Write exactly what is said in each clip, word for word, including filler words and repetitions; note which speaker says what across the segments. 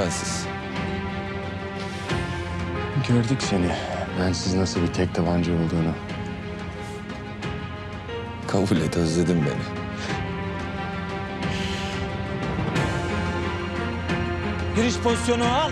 Speaker 1: bensiz.
Speaker 2: Gördük seni. Bensiz nasıl bir tek tabanca olduğunu.
Speaker 1: Kabul et, özledin beni.
Speaker 3: Giriş pozisyonu al.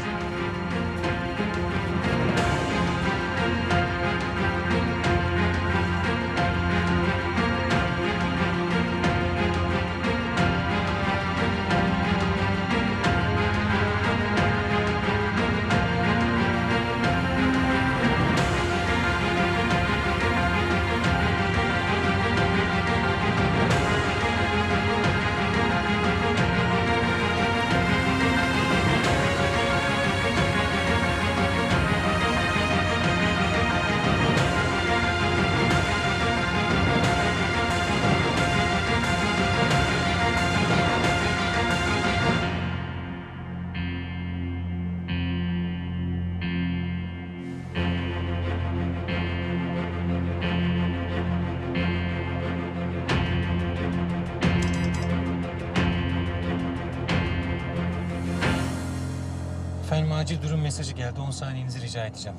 Speaker 4: Efendim acil durum mesajı geldi. on saniyenizi rica edeceğim.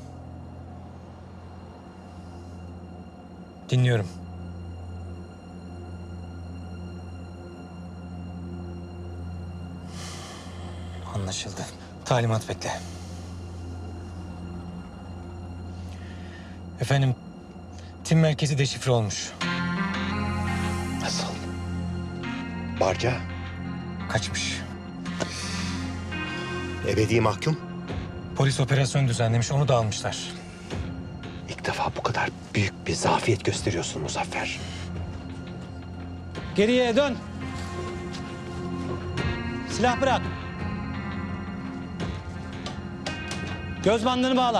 Speaker 4: Dinliyorum. Anlaşıldı. Talimat bekle. Efendim, tim merkezi deşifre olmuş.
Speaker 5: Nasıl? Barca,
Speaker 4: Kaçmış.
Speaker 5: ebedi mahkum.
Speaker 4: Polis operasyon düzenlemiş, onu da almışlar.
Speaker 5: İlk defa bu kadar büyük bir zafiyet gösteriyorsun Muzaffer.
Speaker 3: Geriye dön. Silah bırak. Göz bandını bağla.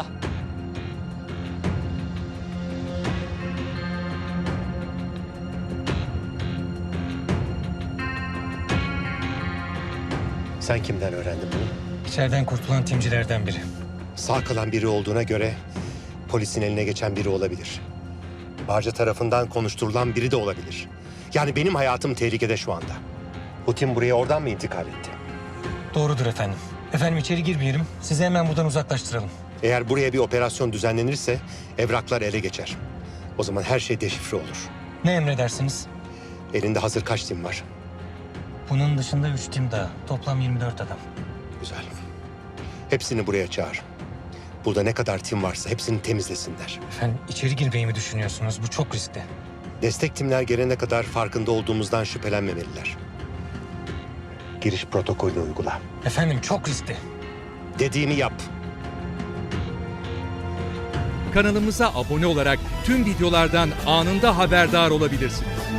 Speaker 5: Sen kimden öğrendin bunu?
Speaker 4: İçeriden kurtulan timcilerden biri.
Speaker 5: Sağ kalan biri olduğuna göre polisin eline geçen biri olabilir. Barca tarafından konuşturulan biri de olabilir. Yani benim hayatım tehlikede şu anda. Bu tim buraya oradan mı intikal etti?
Speaker 4: Doğrudur efendim. Efendim içeri girmeyelim. Sizi hemen buradan uzaklaştıralım.
Speaker 5: Eğer buraya bir operasyon düzenlenirse evraklar ele geçer. O zaman her şey deşifre olur.
Speaker 4: Ne emredersiniz?
Speaker 5: Elinde hazır kaç tim var?
Speaker 4: Bunun dışında üç tim daha. Toplam yirmi dört adam.
Speaker 5: Güzel. Hepsini buraya çağır. Burada ne kadar tim varsa hepsini temizlesinler.
Speaker 4: Efendim içeri girmeyi mi düşünüyorsunuz? Bu çok riskli.
Speaker 5: Destek timler gelene kadar farkında olduğumuzdan şüphelenmemeliler. Giriş protokolünü uygula.
Speaker 4: Efendim çok riskli.
Speaker 5: Dediğimi yap.
Speaker 6: Kanalımıza abone olarak tüm videolardan anında haberdar olabilirsiniz.